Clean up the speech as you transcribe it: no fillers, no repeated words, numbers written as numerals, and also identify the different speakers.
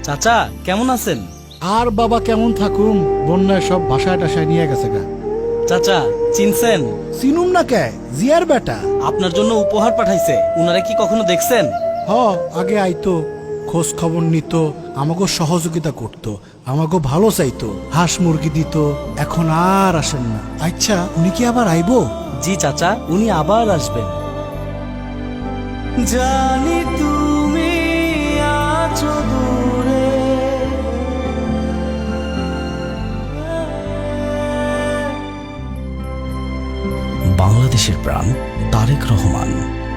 Speaker 1: চাচা কেমন আছেন?
Speaker 2: আর বাবা কেমন থাকুম, বন্যায় সব ভাষায় টাসায় নিয়ে গেছে গা।
Speaker 1: চাচা চিনছেন?
Speaker 2: চিনুম না কে, জিয়ার বেটা।
Speaker 1: আপনার জন্য উপহার পাঠাইছে, উনারা কি কখনো দেখছেন?
Speaker 2: হ, আগে আইতো, খোঁজ খবর নিত, আমাকে সহযোগিতা করত, আমাকে ভালো চাইতো, হাঁস মুরগি দিত। এখন আর আসেন না। আচ্ছা, উনি কি আবার আইবো?
Speaker 1: জি চাচা, উনি আবার আসবেন। জানি তুমি আছো দূরে, বাংলাদেশের প্রাণ তারেক রহমান।